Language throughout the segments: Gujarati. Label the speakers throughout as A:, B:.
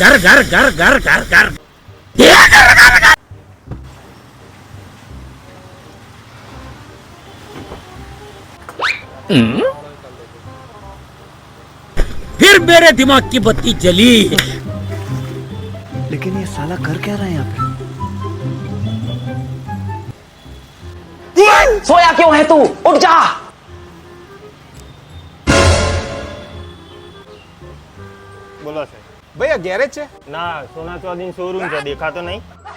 A: घर घर घर घर घर घर फिर मेरे दिमाग की बत्ती जली।
B: लेकिन ये साला कर क्या रहा है यहाँ पे?
C: सोया क्यों है तू? उठ जा।
D: બોલો સાહેબ.
E: ભાઈ આ ગેરેજ છે?
D: ના, સોના ચોધરી શોરૂમ છે, દેખાતો નહીં.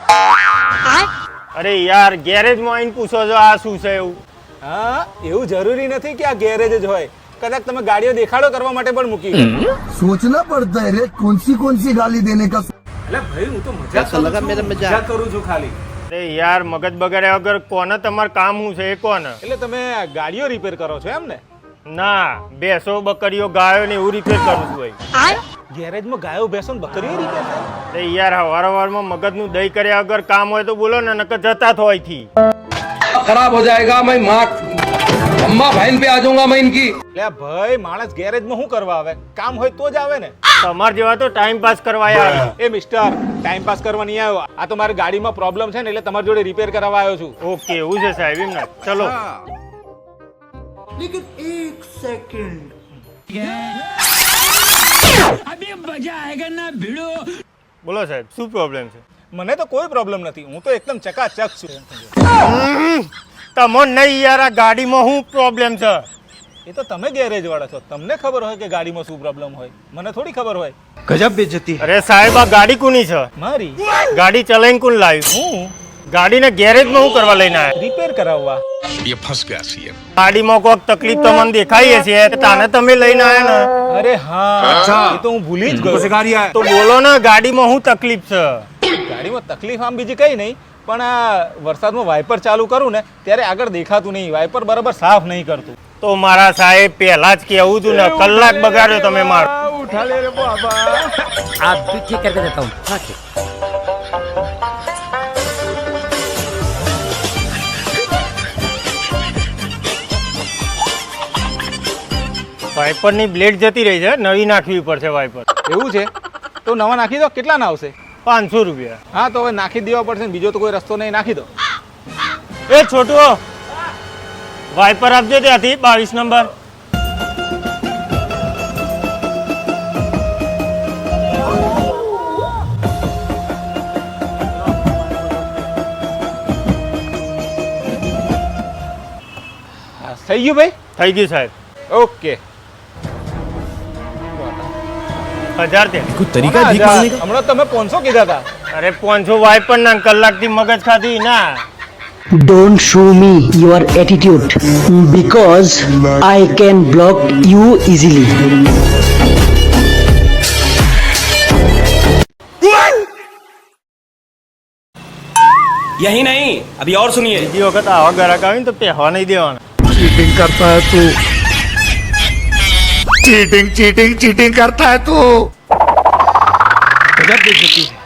D: અરે યાર, ગેરેજમાં આવીને પૂછો છો આ શું છે એવું?
E: હા, એવું જરૂરી નથી કે આ ગેરેજ જ હોય. કદાચ તમે ગાડીઓ દેખાડો કરવા માટે પણ મૂકી હોય.
F: सोचना पड़ता है रे कौन सी गाली देने का।
E: એટલે ભાઈ હું તો મજાક કરું છું ખાલી.
D: અરે યાર, મગજ બગાડ્યા વગર કોને તમારું કામ શું છે એ કોને?
E: એટલે તમે ગાડીઓ રિપેર કરો છો એમ ને?
D: ના, ભેંસો બકરીઓ ગાયો ને એવું રિપેર કરું છું ભાઈ.
E: ગેરેજમાં ગાયો ભેંસો ને બકરીઓ રિપેર થાય?
D: અરે યાર, હવારમાં મગજનું દહીં કર્યા વગર કામ હોય તો બોલો ને, નકર જતા થો અહીંથી.
G: खराब हो जाएगा मैं माँ अम्मा बहन पे आ जाऊंगा मैं इनकी।
E: એટલે ભાઈ માણસ ગેરેજમાં શું કરવા આવે? કામ હોય તો જ આવે ને.
D: તમાર જેવા તો ટાઈમ પાસ કરવા આવ્યા.
E: એ મિસ્ટર, ટાઈમ પાસ કરવા નહીં આવ્યો. આ તો મારી ગાડીમાં પ્રોબ્લેમ છે ને એટલે તમારી જોડે રિપેર કરાવવા આવ્યો છું.
D: ઓકે, એવું છે સાહેબ એમ ને? ચલો.
F: लेकिन एक सेकंड
A: अभी मजा आएगा ना भिड़ो।
D: બોલો સાહેબ, શું પ્રોબ્લેમ છે?
E: મને તો કોઈ પ્રોબ્લેમ નથી, હું તો એકદમ ચકાચક છું.
D: તમને નહીં યાર, આ ગાડીમાં શું પ્રોબ્લેમ છે?
E: એ તો તમે ગેરેજ વાળા છો, તમને ખબર હોય કે ગાડીમાં શું પ્રોબ્લેમ હોય, મને થોડી ખબર હોય.
B: गजब बेइज्जती।
D: અરે સાહેબ, આ ગાડી કોની છે?
E: મારી
D: ગાડી ચલાવીને કોણ લાવ્યું?
E: હું
D: ગાડીને ગેરેજમાં શું કરવા લઈને આવ્યા?
E: રિપેર કરાવવા.
D: ગાડીમાં કોઈક તકલીફ તમને દેખાય છે તાને તમે લઈને આવ્યા ને?
E: અરે હા, એ તો હું ભૂલી જ ગયો.
D: તો બોલો ને, ગાડીમાં શું તકલીફ છે?
E: ગાડીમાં તકલીફ આમ બીજી કઈ નહીં, પણ આ વરસાદમાં વાઇપર ચાલુ કરું ને ત્યારે આગળ દેખાતું નહીં, વાઇપર બરાબર સાફ નહીં કરતું.
D: તો મારા સાહેબ પહેલા જ કેવું હતું ને, કલાક બગાડ્યો તમે મારો.
E: ઉઠા લે રે બાબા.
A: आप भी ठीक करके देता हूँ। हाँ, ठीक।
D: વાઇપર ની બ્લેડ જતી રહી છે, નવી નાખવી પડશે વાઇપર.
E: એવું છે? તો નવા નાખી દો. કેટલા ના આવશે?
D: 500 રૂપિયા.
E: હા, તો હવે નાખી દેવા પડશે ને, બીજો તો કોઈ રસ્તો નહીં, નાખી દો.
D: એ છોટું, વાઇપર આપજો ત્યાંથી 22 નંબર.
E: હા, થઈ ગયું ભાઈ?
D: થઈ ગયું સાહેબ.
E: ઓકે.
D: 1000 દે.
E: હમણાં તમે 500 કીધા હતા.
D: અરે 500 વાઇપર ના, કલાકથી મગજ ખાધી ના.
C: Don't show me your attitude because I can block you easily.
H: यही नहीं, अभी और सुनिए।
D: બીજી વખત આવા ગ્રાહક આવે ને તો પહેવા નહીં દેવાના.
F: चीटिंग करता है तू, चीटिंग चीटिंग चीटिंग करता है तू।
B: गजब बेइज्जती है।